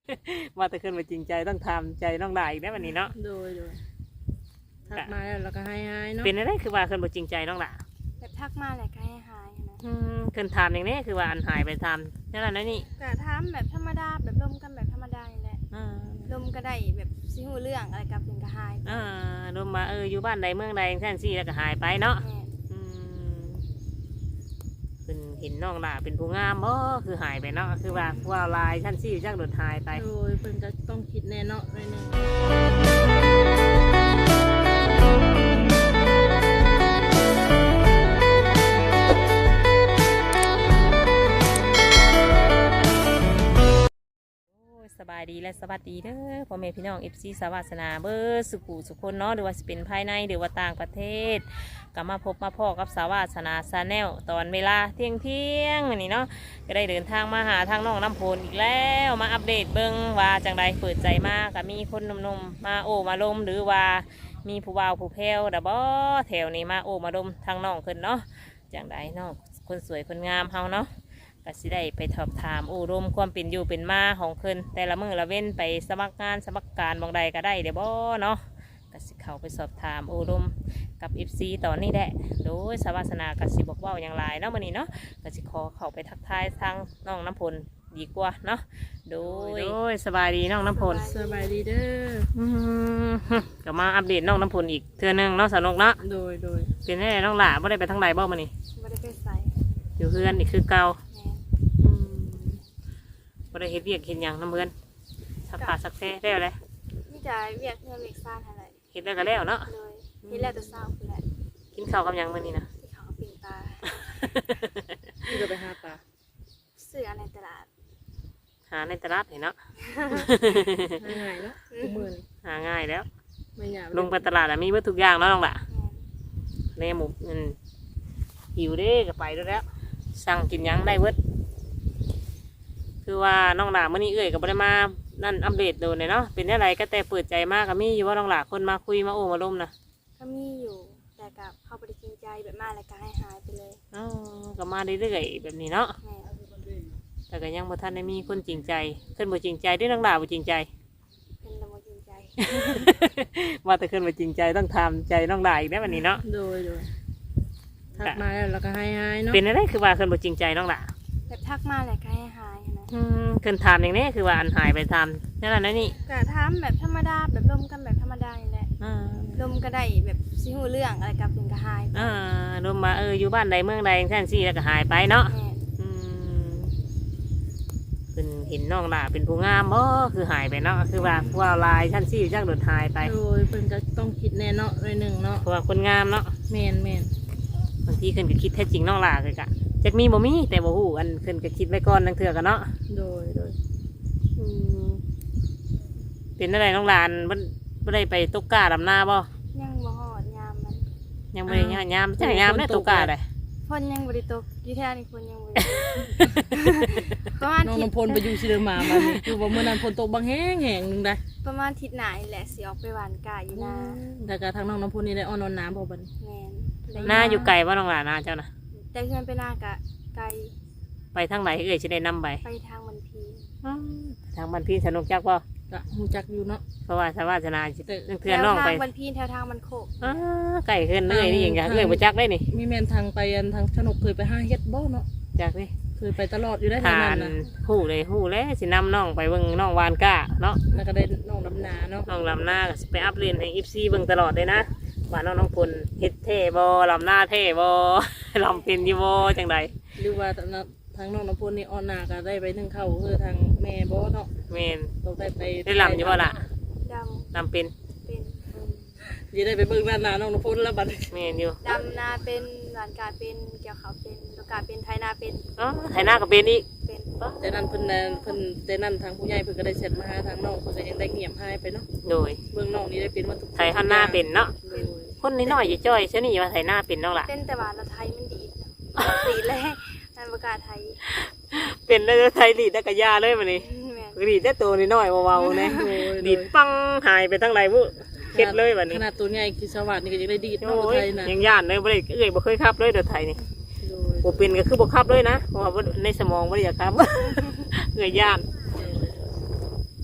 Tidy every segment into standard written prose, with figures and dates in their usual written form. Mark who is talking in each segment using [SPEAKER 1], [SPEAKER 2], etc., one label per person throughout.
[SPEAKER 1] ว่าแต่ขึ้นมาจริงใจต้องทำใจน้องได้อีกได้วันนี้เนาะ
[SPEAKER 2] โดยทักมาแล้วเราก็ให้เนาะ
[SPEAKER 1] เป็นอะไรคือว่าขึ้นมาจริงใจน้องละ
[SPEAKER 3] แบบทักมาแหละก็ให้หายนะ
[SPEAKER 1] ขึ้นทำอย่างนี้คือว่าอันหายไปทำนั่นแหละนี่
[SPEAKER 3] ก็ถามแบบธรรมดาแบบลมกันแบบธรรมดานี่แหละลมก็ได้แบบซิหูเรื่องอะไรกับเป็นก็หาย
[SPEAKER 1] ลมมาอยู่บ้านใดเมืองใดแท่นซี่แล้วก็หายไปเนาะเป็นเห็นน้องละเป็นผู้งามคือหายไปเนาะคือว่าลายท่านซี่จักโดดหายไป
[SPEAKER 2] โดยเป็นก็ต้องคิดแน่เนาะเลยนึง
[SPEAKER 1] สบายดีและสวัสดีเด้อพ่อแม่พี่น้องFCสวัสนาเบอร์สุขุสุคนเนาะหรือว่าจะเป็นภายในหรือว่าต่างประเทศก็มาพบมาพ่อกับสวัสนาชาแนลตอนเวลาเที่ยงวันนี้เนาะก็ได้เดินทางมาหาทางน้องน้ำพลอีกแล้วมาอัปเดตเบิ้งว่าจังใดเปิดใจมากก็มีคนหนุ่มๆมาโอ้มาลมหรือว่ามีผู้บ่าวผู้แพ้วดับแถวนี้มาโอ้มาลมทางน้องขึ้นเนาะจังใดเนาะคนสวยคนงามเฮาเนาะก็สิได้ไปสอบถามรมความเป็นอยู่เป็นมาของเพิ่นแต่ละมื้อละเว้นไปสมัครงานสมัครการบางใดก็ได้เดี๋ยวบ่เนาะก็สิเข้าไปสอบถามรมกับ FC ตอนนี้แหละโดยสวัสนาก็สิบอกว่าอย่างไรเนาะมื้อนี้เนาะก็สิขอเข้าไปทักทายทางน้องน้ำพลดีกว่าเนาะโดยสบายดีน้องน้ำพล
[SPEAKER 2] สบายดีเด้อ
[SPEAKER 1] ก็มาอัปเดตน้องน้ำพลอีกเทื่อนึงเนาะสนุกเนาะ
[SPEAKER 2] โดย
[SPEAKER 1] เป็นไงน้องหล่าบ่ได้ไปทางใดบ่มื้อนี้
[SPEAKER 3] บ่ได้ไปใส่
[SPEAKER 1] อยู่เพื่อนนี่คือเก่าบ่ได้เฮ็ดเวียกเฮ็ดหยังน้ำเพื่อนสักผ้าสักแท้ได้แล้ว
[SPEAKER 3] นี่จะเวียกเงินเวียกซ่านอะไร
[SPEAKER 1] เฮ็ดได้ก็แล้วเนาะ
[SPEAKER 3] เลยเฮ็ดแล้วแต่เช้าคือแหละ
[SPEAKER 1] กินข้าวกับหยังมื้อนี้นะ
[SPEAKER 3] ที่เขาปิ่งปลา
[SPEAKER 2] ที่จะไปหาปลา
[SPEAKER 3] ซื้อในตลาด
[SPEAKER 1] หาในตลาดเนาะ
[SPEAKER 2] ง่ายเนาะมื้อนี้
[SPEAKER 1] หาง่ายแล้ว
[SPEAKER 2] ไม่ยาก
[SPEAKER 1] ลงไปตลาดมีเบิดทุกอย่างเนาะน้องล่ะแม่หมูหิวเด้ก็ไปแล้วสั่งกินหยังได้เบิดคือว่าน้องหลาเมื่อนี้ก็บ่ได้มานั่นอัปเดตโดนเลยเนาะเป็นอะไรก็แต่เปิดใจมากก็มีอยู่ว่าน้องหลาคนมาคุยมาโอ้มาล้มนะ
[SPEAKER 3] ก็มีอยู่แต่กับเขาบริจริงใจแบบมาแล้วก็ให้หายไปเลย
[SPEAKER 1] ก็มาเรื่อยๆแบบนี้เนาะแต่ก็ยังบ่ทันได้มีคนจริงใจขึ้นบ่จริงใจได้น้องหลาบ่จริงใจ
[SPEAKER 3] เป็นแต่บ่จริงใจ
[SPEAKER 1] ว่าแต่ขึ้นบ่จริงใจต้องทำใจน้องหลาอีกได้วันนี้เนาะ
[SPEAKER 2] โดยทักมาแล้วเราก็ให้เนาะ
[SPEAKER 1] เป็นอะไรคือว่าขึ้นบ่จริงใจน้องหลา
[SPEAKER 3] แบบทักมาแล้วก็ให้หายนะ
[SPEAKER 1] ขึ้นทำอย่างนี้คือว่าอันหายไปทำนั่นแหละนี่
[SPEAKER 3] ก็ถามแบบธรรมดาแบบลมกันแบบธรรมดานี่แหละลมก็ได้แบบซิหูเรื่องอะไรกับเป็นก็หาย
[SPEAKER 1] ลมมาอยู่บ้านใดเมืองใดแท่นซี่แล้วก็หายไปเนาะเป็นเห็นน้องหล่าเป็นผู้งามคือหายไปเนาะคือว่าลายท่านซี่จักโดดหายไป
[SPEAKER 2] โดยเป็นก็ต้องคิดแน่เนาะเลยนึงเนาะ
[SPEAKER 1] เพราะว่าคนงามเนาะ
[SPEAKER 2] แมน
[SPEAKER 1] บางทีขึ้นก็คิดแท้จริงน้องหล่าเลยกะจักมีบ่มีแต่บ่ฮู้อันขึ้นก็คิดไว้ก่อนนั่งเถื่อกันเนาะ
[SPEAKER 2] โดย
[SPEAKER 1] เป็นอะไรน้องหลานบ่ได้ไปตกกาดำนาบ่
[SPEAKER 3] ยังบ่ฮอดยามมัน
[SPEAKER 1] ยังบ่ได้ยามจักยามได้ตกกาได้
[SPEAKER 3] ฝนยังบ่ได้ตกอยู่แถวนี้ฝนยังบ่
[SPEAKER 2] ประมาณน้องน้ำพลไปอยู่ซิเดอร์มามันคือว่าเมื่อนั้นฝนตกบางแห้งนึงได้
[SPEAKER 3] ประมาณอาทิตย์หน้านี่แหละสิออกไปหว่านกาอยู่นา
[SPEAKER 2] แต่ก็ทางน้องน้ำพลนี่ได้อ้อนน้ำบ่บัด
[SPEAKER 3] แม่
[SPEAKER 1] นนาอยู่ไกลบ่น้องหลานนาเจ้าน่ะ
[SPEAKER 3] แต่เพื่อนไปนากะไกล
[SPEAKER 1] ไปทางไหนสิได้นำไป
[SPEAKER 3] ทางบันพี
[SPEAKER 1] ทางบันพีสนุกจักบ่
[SPEAKER 2] ก็ฮู้จักอยู่เนาะ
[SPEAKER 1] เพราะว่าสวัสนาเพื่อนน้องไป
[SPEAKER 3] ทางบันพีแถวทางมันโคก
[SPEAKER 1] ไกลขึ้นเลยนี่อย่างบ่จักได้นี่
[SPEAKER 2] มีแม่นทางไปทางสนุกเคยไปหาเฮ็ดบ่เนาะ
[SPEAKER 1] จักดิ
[SPEAKER 2] เคยไปตลอดอยู่ได้ทางนั้นน่ะ
[SPEAKER 1] ฮู้แล้วสินำน้องไปเบิ่งน้องวานก้าเนาะ
[SPEAKER 2] แล้วก็ได้น้องลำนาเนาะ
[SPEAKER 1] น้องลำนาก็ไปอัปเดตให้ FC เบิ่งตลอดเลยนะว่าน้องพลเฮ็ดเท่บ่ลำหน้าเท่บ่ลำเป็นอยู่บ่จังใด
[SPEAKER 2] หรือว่าทางน้องน้ำพลนี่อ่อนหน้าก็ได้ไปนึ่งเข้าคือทางแม่บ่เนาะ
[SPEAKER 1] แม่น
[SPEAKER 2] ต้อง
[SPEAKER 1] ได้ลำอยู่บ่ล่ะลำเป็น
[SPEAKER 2] สิได้ไปเบิ่งด้านหน้าน้องน้ำพลแล้วบัด
[SPEAKER 1] แม่นอยู่
[SPEAKER 3] ดำนาเป็นหวานกาเป็นเกี่ยวเขาเป็นลูกกาเป็นไถนาเป็น
[SPEAKER 1] ไถนาก็เป็นอีก
[SPEAKER 2] แต่นั้นเพิ่นแต่นั้นทางผู้ใหญ่เพิ่นก็ได้เสร็จมาหาทางน้องเพิ่นก็ยังได้เงียบหายไปเนาะ
[SPEAKER 1] โดย
[SPEAKER 2] เบิ่งน้องนี่ได้เป็นว่าทุก
[SPEAKER 1] ไถนาเป็นเนาะคนน้อยๆจ้อยๆเช่นนี้ว่าไถนาเป็นน้องล่ะ
[SPEAKER 3] เป็นแต่ว่าเราไทยมันดีดีเลยนั่นประกาศไทย
[SPEAKER 1] เป็นแล้วไทยดีดได้กระยาเลยมันนี่ดีดได้ตัวน้อยๆเบาๆนะดีดปังหายไปทั้งไรบุเข็ดเลยแบบนี้
[SPEAKER 2] ขนาดตัวใหญ่คือสวัสดิ์นี่ก็ยังได้ดีดน้องไทยนะ
[SPEAKER 1] ยังย่านเลยบ่ได้บ่เคยขับเลยเดือไทยนี่บ่เป็นก็คือบ่ขับเลยนะเพราะว่าในสมองบ่ได้อยากขับย่าน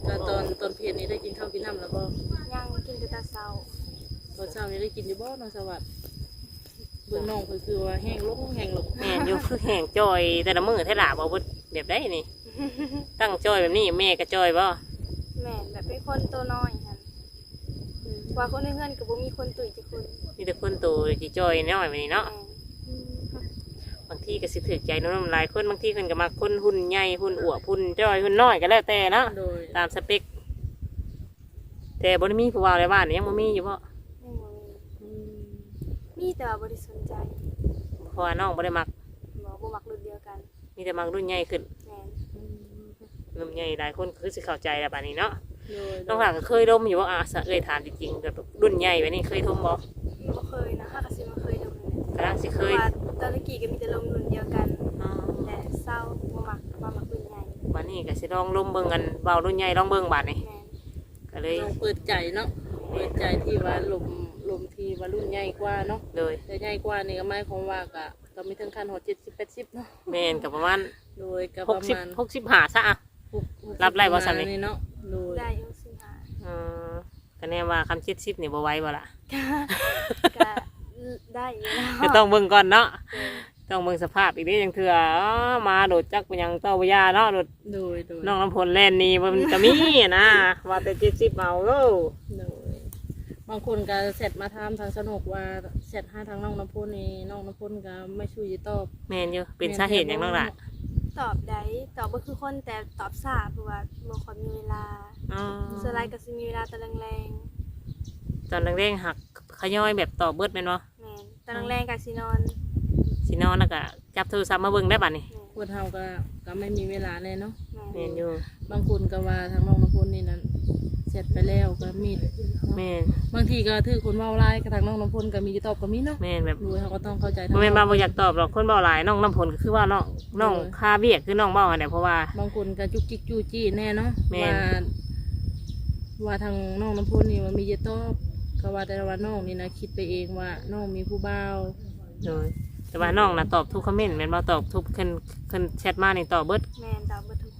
[SPEAKER 2] ก็ตอนเพลนี้ได้กินข้าวกินน้ำแล้วบ่
[SPEAKER 3] ยังกินแต่ตาเช้า
[SPEAKER 2] ตอนเช้านี้ได้กินอยู่บ่น้องสวัสดิ์เบิ่งน้องเพิ่นคือว่าแห้งลง
[SPEAKER 1] แม่นอยู่คือแห้งจอยแต่ละมื้อเท่าหล่ะบ่เบิดแบบได้นี่ ตั้งจอยแบบนี้แม่ก็จอยบ่
[SPEAKER 3] แม่นแบบเป็นคนตัวน้อยค่ะว่าคนในเฮือนก็บ่มีคนตุ๋ยจักคน
[SPEAKER 1] มีแต่คนโตสิจอยน้อยแบบนี้เนาะ
[SPEAKER 3] แม่น
[SPEAKER 1] บางทีก็สิถูกใจน้องๆหลายคนบางทีเพิ่นก็มักคนหุ่นใหญ่หุ่นอวบหุ่นจอยหุ่นน้อยก็แล้วแต่เนาะ
[SPEAKER 2] โดย
[SPEAKER 1] ตามสเปคแต่บ่ได้มีผู้ว่าในบ้านยังบ่มีอยู่บ่
[SPEAKER 3] ยังบ่มีแต่ว่าบ่ได้สนใจ
[SPEAKER 1] เพราะว่าน้องบ่ได้มัก
[SPEAKER 3] บ่มักรุ่นเดียวกัน
[SPEAKER 1] มีแต่มักรุ่นใหญ่ขึ้น
[SPEAKER 3] แม่น
[SPEAKER 1] รุ่นใหญ่หลายคนคือสิเข้าใจแล้วบัดนี้เนาะ
[SPEAKER 2] โดย
[SPEAKER 1] น้องหลานก็เคยดมอยู่ว่าสะเอ้ยถามจริงๆแบบรุ่นใหญ่แบบนี้เคยดมบ่
[SPEAKER 3] บ่เคยนะค่ะก็สิมาเคยดูนั่นแหละ
[SPEAKER 1] กำลังสิเค
[SPEAKER 3] เพราะ
[SPEAKER 1] ย
[SPEAKER 3] ว่าตอนตะกี้ก็มีแต่ลมรุ่นเดียวกัน
[SPEAKER 1] อ๋อ
[SPEAKER 3] แต่เศร้าบ่มักรุ่นใหญ่
[SPEAKER 1] บัดนี้ก็สิลองลมเบิ่งกันเบารุ่นใหญ่ลองเบิ่งบัดนี้
[SPEAKER 3] แม่น
[SPEAKER 1] ก็เลย
[SPEAKER 2] น้องเปิดใจเนาะเปิดใจที่ว่าลมที่ว่ารุ่นใหญ่กว่าเนาะ
[SPEAKER 1] เลย
[SPEAKER 2] แต่ใหญ่กว่านี่ก็หมายความว่าก็มีถึงขั้น70 80เนาะ
[SPEAKER 1] แม่นก็ประมาณ
[SPEAKER 2] โดยก็ประมาณ
[SPEAKER 1] 65ซะอ่ะ รับได้บ่ซ้ำนี่
[SPEAKER 2] เนาะโดย
[SPEAKER 3] ได้อยู่สิหา
[SPEAKER 1] อือก็แน่ว่าคำ70นี่บ่ไหวบ่ล่ะ
[SPEAKER 3] ก็ได้อยู่แล้ว
[SPEAKER 1] ก็ต้องเบิ่งก่อนเนาะ
[SPEAKER 3] เออ
[SPEAKER 1] ต้องเบิ่งสภาพอีกเด้จังเทื่ออ๋อมาโดดจักไปยังเต้าบ่ยาเนาะโดด
[SPEAKER 2] โดย
[SPEAKER 1] น้องน้ำพลแล่นนี่มันก็มีอะนะว่าแต่70เอาโอ้
[SPEAKER 2] โดยบางคนก็เสร็จมาถามทางสนุกว่าเสร็จหาทางน้องน้ำพุนี่น้องน้ำพุก็ไม่ช่วยตอบ
[SPEAKER 1] แม่นอยู่เป็นสาเหตุหยังน้องล่ะ
[SPEAKER 3] ตอบได้ตอบบ่คือคนแต่ตอบช้าเพราะว่าบ่ค่อยมีเวลา
[SPEAKER 1] อ๋อ
[SPEAKER 3] ส่วนหลายก็สิมีเวลาตอนแรง
[SPEAKER 1] ตอนแรงๆหักขย่อยแบบต่อเบิดแม่นบ่
[SPEAKER 3] ๆแม่นตอนแรงก็สินอน
[SPEAKER 1] สินอนแล้วก็จับโทรศัพท์มาเบิ่งได้บัดนี้
[SPEAKER 2] พวกเฮาก็ไม่มีเวลาเลยเนาะ
[SPEAKER 3] แม่
[SPEAKER 1] แม่
[SPEAKER 3] น
[SPEAKER 1] นอยู่
[SPEAKER 2] บางคนก็ว่าทางน้องน้ำพุนี่นั้นเสร็จไปแล้วก็มี
[SPEAKER 1] แม่น
[SPEAKER 2] บางทีก็ถือคนเว้าร้ายกับทางน้องน้ำพุก็มีตอบก็มีเนาะ
[SPEAKER 1] แม่นแบบ
[SPEAKER 2] ดูเขาก็ต้องเข้าใจ
[SPEAKER 1] บ่แม่นว่าบ่อยากตอบหรอกคนเว้าหลายน้องน้ำพลก็คือว่าน้องคาเวียกคือน้องเว้าหั่นแหละเพราะว่า
[SPEAKER 2] บางคนก็จุกจิกจู้จี้แน่เนาะ
[SPEAKER 1] แม่น
[SPEAKER 2] ว่าทางน้องน้ำพุนี่ว่ามีเยอะตอบก็ว่าแต่ว่าน้องนี่นะคิดไปเองว่าน้องมีผู้บ่าว
[SPEAKER 1] โดยแต่ว่าน้องน่ะตอบทุกคอมเมนต์แม่นบ่ตอบทุกขึ้นแชทมานี่ตอบเบิด
[SPEAKER 3] แม่นตอบเบ่ทุกคน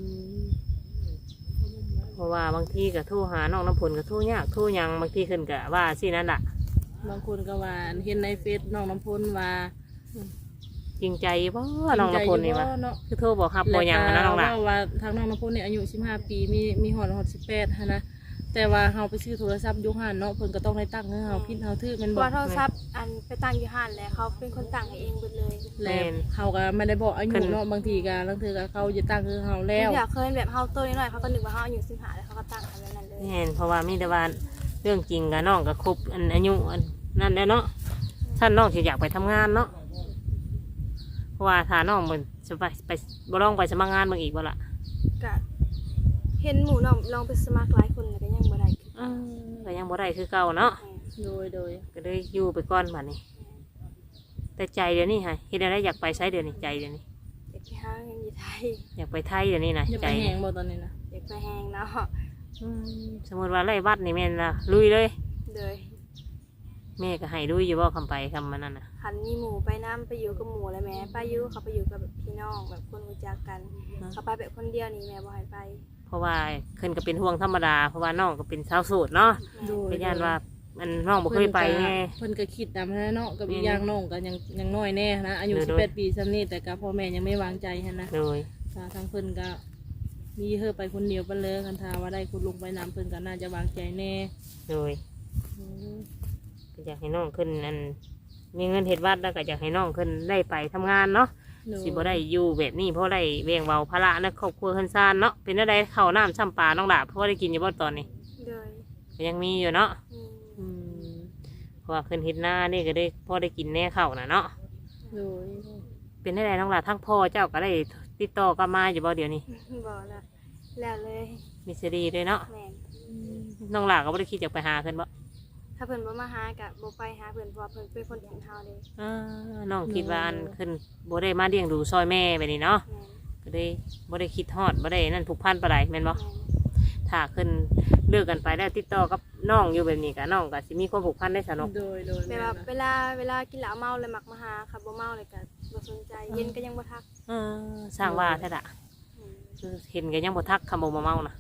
[SPEAKER 1] เพราะว่าบางทีก็โทรหาน้องน้ำพลก็โทรยากโทรหยังบางทีขึ้นก็ว่าสินั่นล่ะ
[SPEAKER 2] บางคนก็ว่าเห็นในเฟซน้องน้ำพุว่า
[SPEAKER 1] จริงใจบ่น้องน้ำพลนี่ว่า
[SPEAKER 2] เนาะ
[SPEAKER 1] คือโทรบอกครับบ่หยังอะนะน้องล่ะ
[SPEAKER 2] ว่าทางน้องน้ำพุนี่อายุ15 ปีมีหอด18ฮะนะแต่ว่าเฮาไปซื้อโทรศัพท์ยุคหันเนาะเพิ่นก็ต้องได้ตั้งให้เฮาพิมพ์เฮาถือแม่น
[SPEAKER 3] เพ
[SPEAKER 2] บ่
[SPEAKER 3] ราะว่าโทรศัพท์อันไปตั้งอยู่ห้านแล้วเขาเป็นคนตั้งให้เองเบิดเลย
[SPEAKER 2] แล้วเฮาก็ไม่ได้บอกอายุเนาะบางทีก็บางทีก็เขาจะตั้งคือเฮาแล้ว
[SPEAKER 3] อยากเคยแบบเฮาโตนิดหน่อยเขาก็นึกว่าเฮาอายุ15แล้วเขาก็ตั้งให้แบบนั้นเลย
[SPEAKER 1] แม่นเพราะว่ามีแต่ว่าเรื่องจริงกับน้องก็ครบอันอายุอันนั่นแล้วเนาะท่านน้องสิอยากไปทำงานเนาะเพราะว่าถ้าน้องมันจะไปบ่ลองไปสมัครงานเบิ่งอีกบ่ล่ะ
[SPEAKER 3] ก็เห็นหมู่น้องลองไปสมัครหลายคนแล้วก็ยังบ่ได้คือ
[SPEAKER 1] ก็ยังบ่ได้คือเก่าเนาะ
[SPEAKER 2] โดย
[SPEAKER 1] ก็เลยอยู่ไปก่อนบัดนี้ แต่ใจเดี๋ยวนี้ฮะเฮ็ดอะไรอยากไปใช้เดี๋ยวนี้ใจเดี๋ยวนี้
[SPEAKER 3] อยากไปหาเงินอยู่ไทย
[SPEAKER 1] อยากไปไทยเดี๋ยวนี้นะ
[SPEAKER 2] อย่า
[SPEAKER 1] ใจ
[SPEAKER 2] ไปแหงบ่ตอนนี้นะ
[SPEAKER 3] อยากไปแฮงเนาะ
[SPEAKER 1] สมมติว่าไล่วัดนี่แม่นละลุยเลย
[SPEAKER 3] เลย
[SPEAKER 1] แม่ก็ให้ลุยอยู่บ่คำไปคำมันนั่นน่ะ
[SPEAKER 3] คันมีหมู่ไปน้ำไปอยู่กับหมู่แล้วแม่ไปอยู่เขาไปอยู่กับแบบพี่น้องแบบคนรู้จักกันเขาไปแบบคนเดียวนี่แม่บ่ให้ไป
[SPEAKER 1] เพราะว่าเพิ่นก็เป็นห่วงธรรมดาเพราะว่าน้องก็เป็นสาวโสดเนาะ
[SPEAKER 2] โดย
[SPEAKER 1] เป็นญาติว่ามันน้องบ่เคยไปไง
[SPEAKER 2] เพิ่นก็คิดตามนั้นเนาะกับอีกอย่างน้องก็ยังน้อยแน่นะอายุ
[SPEAKER 1] โดย
[SPEAKER 2] 18 ปีซำนี้แต่ก็พ่อแม่ยังไม่วางใจหั่นนะ
[SPEAKER 1] โดย
[SPEAKER 2] ทางเพิ่นก็มีเฮอไปคนเดียวไปเลยคันทาว่าได้คุณลุงไปนำเพิ่นก็น่าจะวางใจแน่
[SPEAKER 1] โดยก็อยากให้น้องขึ้นอันมีเงินเฮ็ดวัดแล้วก็อยากให้น้องขึ้นได้ไปทำงานเนาะ สิบ่ได้อยู่แบบนี้เพราะได้เวียงเบาภาระในครอบครัวเฮือนซ่านเนาะเป็นอะไรข้าวน้ำช่ำปลาน้องดาเพราะว่าได้กินอยู่บ่ตอนนี้
[SPEAKER 3] เลย
[SPEAKER 1] ก็ยังมีอยู่เนาะ
[SPEAKER 3] อืม
[SPEAKER 1] อืมเพราะว่าขึ้นเฮ็ดหน้านี่ก็ได้พอได้กินแน่ข้าวน่ะเนาะ
[SPEAKER 2] โดย
[SPEAKER 1] เป็นอะไรน้องดาทั้งพ่อเจ้าก็ได้ติดต่อกลับมาอยู่บ่เดี๋ยวนี้
[SPEAKER 3] บ่ละแล้วเลย
[SPEAKER 1] มีซีดีด้วยเนาะ
[SPEAKER 3] แม่น
[SPEAKER 1] น้องหลาก็บ่ได้คิดจะไปหาขึ้นบ่
[SPEAKER 3] ถ้าเพิ่นบ่มาหาก็บ่ไปหาเพิ่นเพราะว่าเพิ่นเป็นคนถิ่นเฮาเด้
[SPEAKER 1] อ่าน้องคิดว่าอันขึ้นบ่ได้มาเลี้ยงดูซอยแม่แบบนี้เนาะ
[SPEAKER 3] แม่น
[SPEAKER 1] ก็ได้บ่ได้คิดฮอดบ่ได้นั่นผูกพันปานใดแม่นบ่
[SPEAKER 3] แม่น
[SPEAKER 1] ถ้าขึ้นเลิกกันไปแล้วติดต่อกับน้องอยู่แบบนี้ก็น้องก็สิมีความผูกพันได้สนุก
[SPEAKER 2] โดย
[SPEAKER 3] แบบ
[SPEAKER 2] แม่
[SPEAKER 3] ว่า
[SPEAKER 2] นะ
[SPEAKER 3] เวลากินเหล้าเมาเลยมักมาหาค่ะบ่เมาเลยก็บ่สนใจเย็นก็ยังบ่ทัก
[SPEAKER 1] สร้างว่าแท้ละ
[SPEAKER 3] อืม
[SPEAKER 1] คือเห็นก็ยังบ่ทักคำบ่มาเมานะ
[SPEAKER 3] แม่นค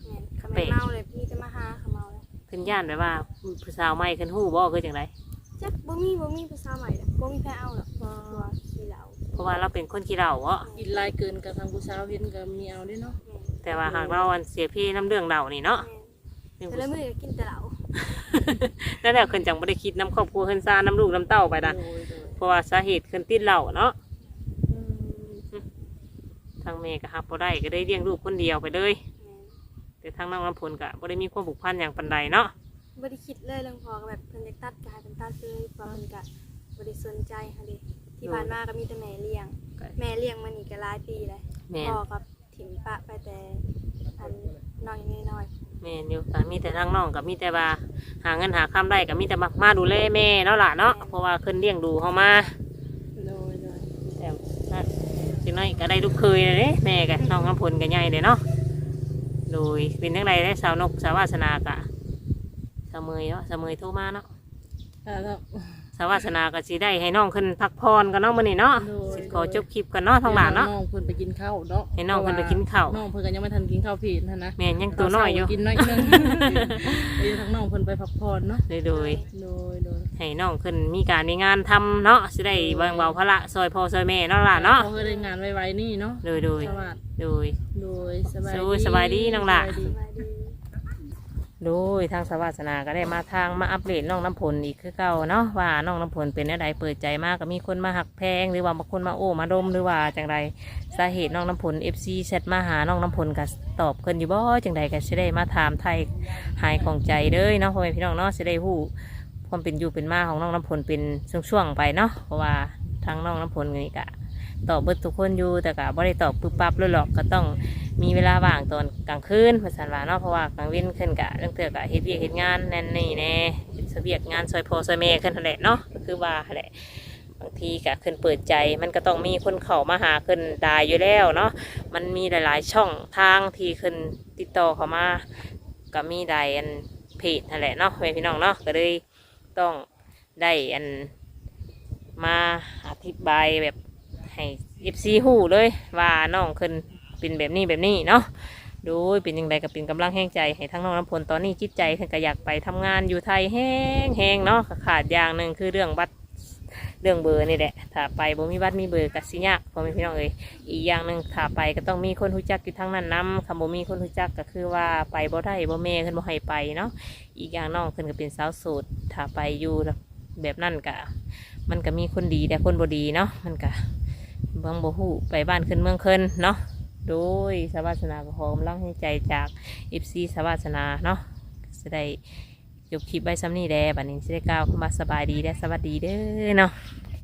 [SPEAKER 3] ก็ไม่เมาเลยมีแต่มาหาเขาเมาเลย
[SPEAKER 1] ขึ้นย่านแบบว่าผู้สาวใหม่ขึ้นหู้บ่คือจังได
[SPEAKER 3] จักบ่มีภาษาใหม่ดอกบ่มีแพ้เอาหรอกตัวขี้เหล้า
[SPEAKER 1] เพราะว่าเราเป็นคนขี้เหล้าเนาะ
[SPEAKER 2] กินหลายเกินกับทางผู้สาวเห็นก็มีเอาเด้เนาะ
[SPEAKER 1] แต่ว่าหากเราอันเสียพี่น้ำเรื่องเหล้านี่เนาะ
[SPEAKER 3] แต่ละมื้อก็กินแต่เหล้า
[SPEAKER 1] แล้วแต่ขึ้นจังบ่ได้คิดน้ำครอบครัวขึ้นซ่าน้ำลูกน้ำเต้าไปนะ
[SPEAKER 2] โดย
[SPEAKER 1] เพราะว่าสาเหตุขึ้นติดเหล้าเนาะ
[SPEAKER 2] อืม
[SPEAKER 1] ทางแม่ก็ฮับบ่ได้ก็ได้เลี้ยงลูกคนเดียวไปเลย แต่ทางน้องน้ำพลก็บ่ได้มีความผูกพันอย่างปานใดเนาะ
[SPEAKER 3] บ่ได้คิดเลยเรื่องพอก็แบบเพิ่นอยากตัดก็ให้เพิ่นตัดเลยเพราะเพิ่นก็บ่ได้สนใจค่ะเด้ที่ผ่านมาก็มีแต่แม่เลี้ยงมานี่ก็หลายปีแล้ว
[SPEAKER 1] แม่น
[SPEAKER 3] พ่อกับถิ่มปะไปแต่อันน้อยน้อย
[SPEAKER 1] แม่นอยู่ก็มีแต่ทางน้องก็มีแต่ว่าหาเงินหาค้ำได้ก็มีแต่มาดูแลแม่เนาะล่ะเนาะเพราะว่าขึ้นเลี้ยงดูเฮามา
[SPEAKER 2] โดย
[SPEAKER 1] แต่นั่นจังน้อยก็ได้ลูกเคยเลยเด้แม่กับน้องน้ำพลก็ใหญ่เลยเนาะโดยเป็นจังไดได้สาวนกสาววาสนากะสาวเมยเนาะสาวเมยโทรมาเนาะ
[SPEAKER 2] แล้ว
[SPEAKER 1] สาววาสนาก็สิได้ให้น้องขึ้นพักผ่อนกันเนาะมื้อนี้เนาะ
[SPEAKER 2] โดย
[SPEAKER 1] สิขอจบคลิปกันเนาะทางหลานเนาะ
[SPEAKER 2] น้องเพิ่นไปกินข้าวเนาะ
[SPEAKER 1] ให้น้องเพิ่นไปกินข้าว
[SPEAKER 2] น้องเพิ่นก็ยังไม่ทันกินข้าวผิดนะ
[SPEAKER 1] แม่นยังตัวน้อยอยู่
[SPEAKER 2] กินน้อยนึงเดี๋ยวทางน้องเพิ่นไปพักผ่อนเนาะ
[SPEAKER 1] โดย
[SPEAKER 2] โดย
[SPEAKER 1] ให้น้องขึ้นมีการมีงานทำเนาะสิได้แบ่งเบาภาระซอยพ่อซอยแม่เนาะล่ะเนาะ
[SPEAKER 2] เขาเคยได้งานไวๆนี่เนาะ
[SPEAKER 1] โดย
[SPEAKER 2] สวัสดี โดยสบาย
[SPEAKER 1] สู้สบายดีน้องหล่ะ
[SPEAKER 2] สบายดี
[SPEAKER 3] ๆสบายดี
[SPEAKER 1] โดยทางสาวาสนาก็ได้มาทางมาอัปเดตน้องน้ำพลอีกคือเก่าเนาะว่าน้องน้ำพลเป็นอะไรเปิดใจมากก็มีคนมาหักแพงหรือว่าบางคนมาโอ้มาดมหรือว่าจังไรสาเหตุน้องน้ำพล FC แชทมาหาน้องน้ำพลก็ตอบเพิ่นอยู่บ่จังใดก็สิได้มาถามไทยหายของใจเด้อเนาะพ่อแม่พี่น้องเนาะสิได้ฮู้ความเป็นอยู่เป็นมาของน้องน้ำพลเป็นช่วงๆไปเนาะเพราะว่าทางน้องน้ำพลนี่ก็ตอบเบิดทุกคนอยู่แต่ก็บ่ได้ตอบปึ๊บปั๊บเลยหรอกก็ต้องมีเวลาว่างตอนกลางคืนภาษาว่าเนาะเพราะว่ากลางวันขึ้นกะเรื่องเตือกะเฮ็ดเวียกเฮ็ดงานแน่นนี่แน่เฮ็ดเวียกงานซอยพ่อซอยแม่ขึ้นนั่นแหละเนาะก็คือว่าหั่นแหละบางทีกะขึ้นเปิดใจมันก็ต้องมีคนเข้ามาหาขึ้นได้อยู่แล้วเนาะมันมีหลายๆช่องทางที่ขึ้นติดต่อเข้ามาก็มีได้อันเพจนั่นแหละเนาะแม่พี่น้องเนาะก็เลยต้องได้อันมาอธิบายแบบให้FCฮู้เลยว่าน้องขึ้นเป็นแบบนี้เนาะโดยเป็นยังไงก็เป็นกำลังแห้งใจให้ทั้งน้องน้ำพลตอนนี้จิตใจเพิ่นก็อยากไปทำงานอยู่ไทยแห้งเนาะขาดอย่างหนึ่งคือเรื่องบัตรเรื่องเบอร์นี่แหละถ้าไปบ่มีบัตรมีเบอร์ก็สิยากพ่อแม่พี่น้องเอ้ยอีกอย่างหนึ่งถ้าไปก็ต้องมีคนรู้จักอยู่ทั้งนั้นนำคำบ่มีคนรู้จักก็คือว่าไปบ่ได้บ่แม่ขึ้นบ่ให้ไปเนาะอีกอย่างน้องขึ้นก็เป็นสาวโสดถ้าไปอยู่แบบนั้นก็มันก็มีคนดีแต่คนบ่ดีเนาะมันก็บางบ่ฮู้ไปบ้านขึ้นเมืองขึ้นเนาะโดยสาวาสนาก็ขอกำลังให้ใจจาก FC สาวาสนาเนาะจะได้จบคลิปไว้ซ้ำนี่แด้บัดนี้จะได้กล่าวคำว่าสบายดีและสวัสดีเด้อเนาะ